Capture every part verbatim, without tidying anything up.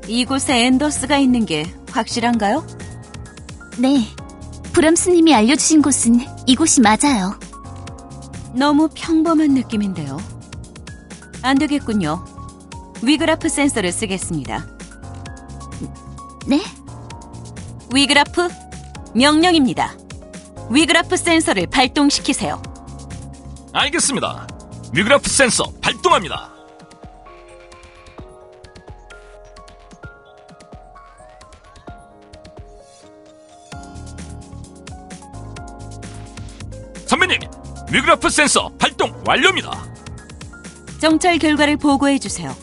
이곳에 앤더스가 있는 게 확실한가요? 네, 브람스님이 알려주신 곳은 이곳이 맞아요. 너무 평범한 느낌인데요. 안 되겠군요. 위그라프 센서를 쓰겠습니다. 네? 위그라프, 명령입니다. 위그라프 센서를 발동시키세요. 알겠습니다. 위그라프 센서 발동합니다. 선배님, 위그라프 센서 발동 완료입니다. 정찰 결과를 보고해주세요.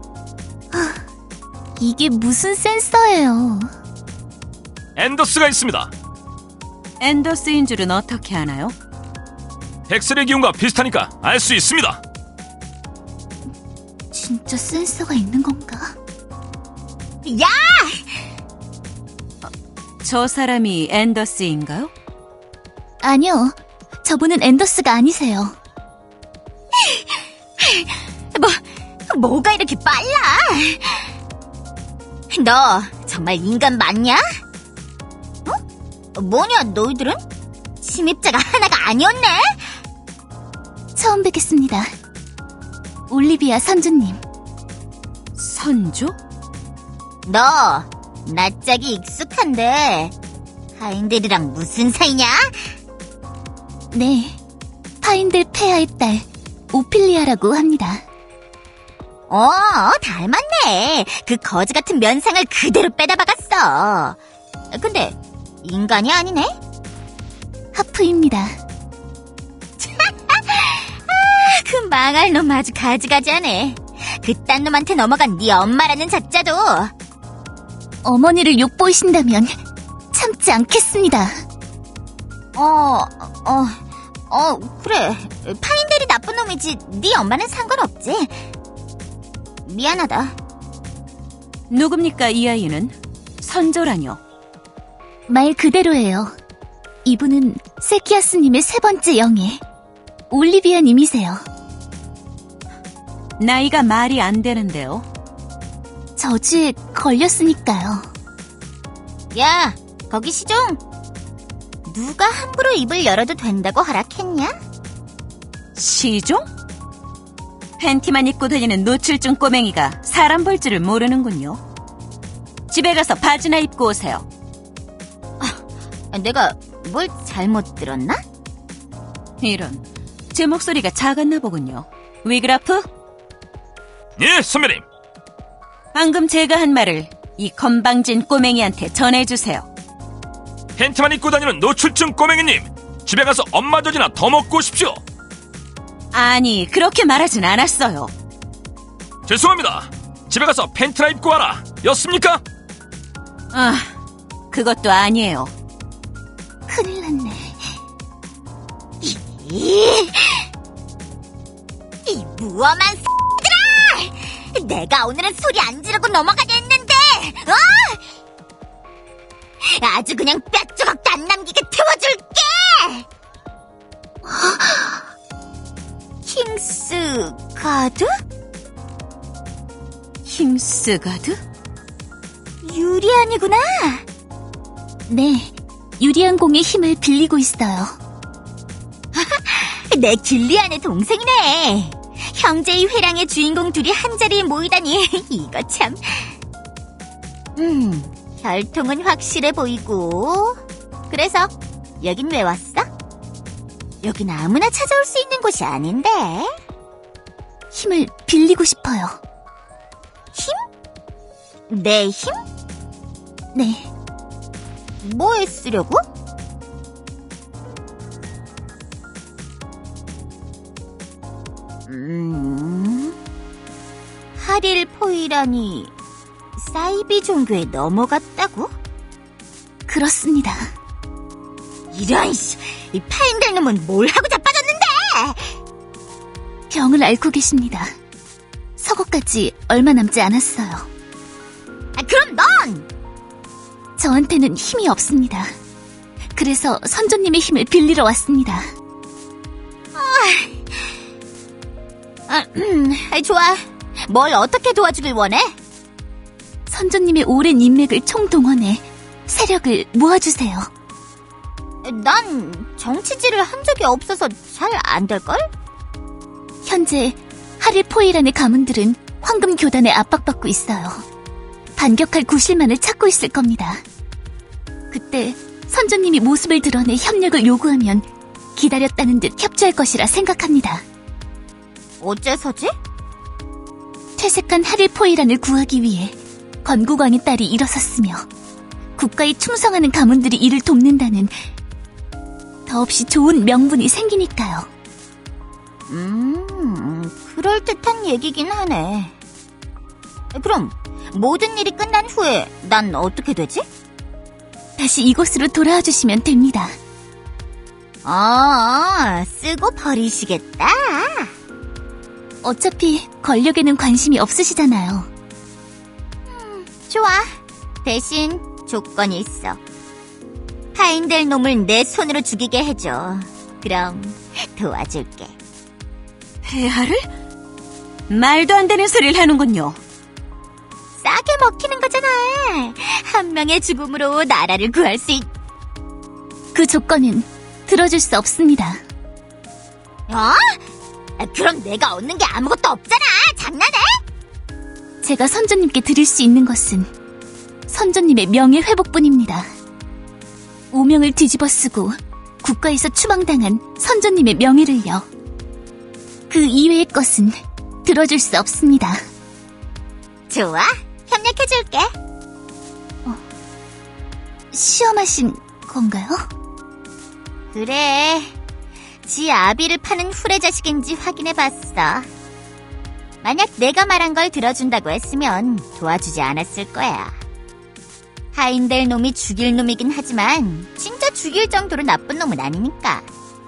이게 무슨 센서예요? 앤더스가 있습니다. 앤더스인 줄은 어떻게 아나요? 엑스레이 기온과 비슷하니까 알 수 있습니다. 진짜 센서가 있는 건가? 야! 저 사람이 앤더스인가요? 아니요, 저분은 앤더스가 아니세요. 뭐, 뭐가 이렇게 빨라? 너 정말 인간 맞냐? 어? 뭐냐 너희들은? 침입자가 하나가 아니었네? 처음 뵙겠습니다. 올리비아 선주님. 선조? 너 낯짝이 익숙한데 하인들이랑 무슨 사이냐? 네, 파인들 폐하의 딸 오피리아라고 합니다. 어, 닮았네. 그 거지 같은 면상을 그대로 빼다 박았어. 근데 인간이 아니네? 하프입니다. 그 망할 놈 아주 가지가지하네. 그딴 놈한테 넘어간 네 엄마라는 작자도. 어머니를 욕보이신다면 참지 않겠습니다. 어, 어, 어, 그래. 파인델이 나쁜 놈이지 네 엄마는 상관없지. 미안하다. 누굽니까 이 아이는? 선조라뇨. 말 그대로예요. 이분은 세키아스님의 세 번째 영예, 올리비아님이세요. 나이가 말이 안 되는데요. 저주에 걸렸으니까요. 야, 거기 시종. 누가 함부로 입을 열어도 된다고 허락했냐? 시종? 팬티만 입고 다니는 노출증 꼬맹이가 사람 볼 줄을 모르는군요. 집에 가서 바지나 입고 오세요. 내가 뭘 잘못 들었나? 이런, 제 목소리가 작았나 보군요. 위그라프? 예, 선배님. 방금 제가 한 말을 이 건방진 꼬맹이한테 전해주세요. 팬티만 입고 다니는 노출증 꼬맹이님, 집에 가서 엄마 젖이나 더 먹고 오십시오. 아니, 그렇게 말하진 않았어요. 죄송합니다. 집에 가서 팬티나 입고 와라 였습니까? 아, 그것도 아니에요. 큰일 났네. 이, 이 무엄한 X들아! 내가 오늘은 소리 안 지르고 넘어가려 했는데, 어? 아주 그냥 뼈조각도 안 남기게 태워줄게! 킹스 가드? 힘스가드? 유리안이구나. 네, 유리한 공의 힘을 빌리고 있어요. 내 길리안의 동생이네. 형제의 회랑의 주인공 둘이 한자리에 모이다니 이거 참. 음, 혈통은 확실해 보이고. 그래서 여긴 왜 왔어? 여긴 아무나 찾아올 수 있는 곳이 아닌데. 힘을 빌리고 싶어요. 힘? 내 힘? 네, 뭐에 쓰려고? 음, 하릴 포이라니 사이비 종교에 넘어갔다고? 그렇습니다. 이런 씨, 이 파인들 놈은 뭘 하고 자빠졌는데? 병을 앓고 계십니다. 서거까지 얼마 남지 않았어요. 아, 그럼 넌! 저한테는 힘이 없습니다. 그래서 선조님의 힘을 빌리러 왔습니다. 아, 음, 아, 좋아. 뭘 어떻게 도와주길 원해? 선조님의 오랜 인맥을 총동원해 세력을 모아주세요. 난 정치질을 한 적이 없어서 잘 안 될걸? 현재 하릴포이란의 가문들은 황금 교단에 압박받고 있어요. 반격할 구실만을 찾고 있을 겁니다. 그때 선조님이 모습을 드러내 협력을 요구하면 기다렸다는 듯 협조할 것이라 생각합니다. 어째서지? 퇴색한 하릴포이란을 구하기 위해 건국왕의 딸이 일어섰으며 국가에 충성하는 가문들이 이를 돕는다는 더없이 좋은 명분이 생기니까요. 음, 그럴듯한 얘기긴 하네. 그럼 모든 일이 끝난 후에 난 어떻게 되지? 다시 이곳으로 돌아와 주시면 됩니다. 아, 쓰고 버리시겠다. 어차피 권력에는 관심이 없으시잖아요. 좋아. 대신 조건이 있어. 하인될 놈을 내 손으로 죽이게 해줘. 그럼 도와줄게. 폐하를? 말도 안 되는 소리를 하는군요. 싸게 먹히는 거잖아. 한 명의 죽음으로 나라를 구할 수 있... 그 조건은 들어줄 수 없습니다. 어? 그럼 내가 얻는 게 아무것도 없잖아. 장난해? 제가 선조님께 드릴 수 있는 것은 선조님의 명예 회복뿐입니다. 오명을 뒤집어 쓰고 국가에서 추방당한 선조님의 명예를요. 그 이외의 것은 들어줄 수 없습니다. 좋아. 협력해줄게. 시험하신 건가요? 그래. 지 아비를 파는 후레 자식인지 확인해봤어. 만약 내가 말한 걸 들어준다고 했으면 도와주지 않았을 거야. 하인될 놈이 죽일 놈이긴 하지만 진짜 죽일 정도로 나쁜 놈은 아니니까.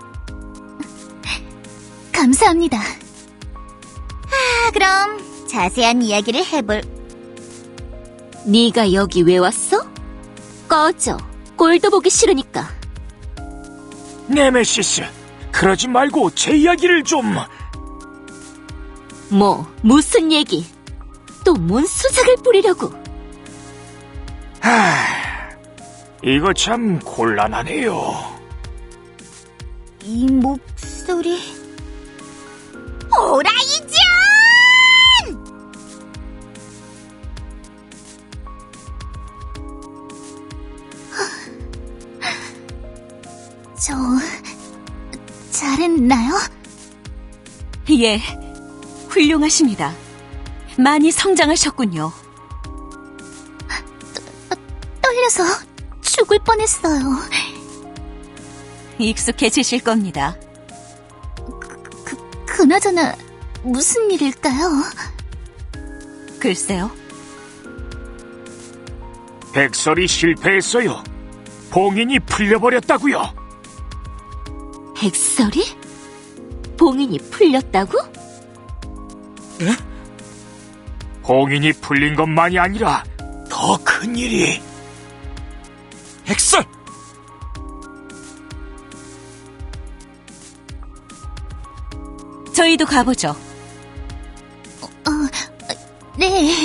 감사합니다. 아, 그럼 자세한 이야기를 해볼... 네가 여기 왜 왔어? 꺼져. 꼴도 보기 싫으니까. 네메시스, 그러지 말고 제 이야기를 좀... 뭐 무슨 얘기? 또 뭔 수작을 뿌리려고? 하... 이거 참 곤란하네요. 이 목소리... 오라이전! 저... 잘했나요? 예, 훌륭하십니다. 많이 성장하셨군요. 떨려서 죽을 뻔했어요. 익숙해지실 겁니다. 그, 그나저나 무슨 일일까요? 글쎄요. 백설이 실패했어요. 봉인이 풀려버렸다고요. 백설이? 봉인이 풀렸다고? 봉인이 풀린 것만이 아니라 더 큰 일이... 백설! 저희도 가보죠. 어, 네.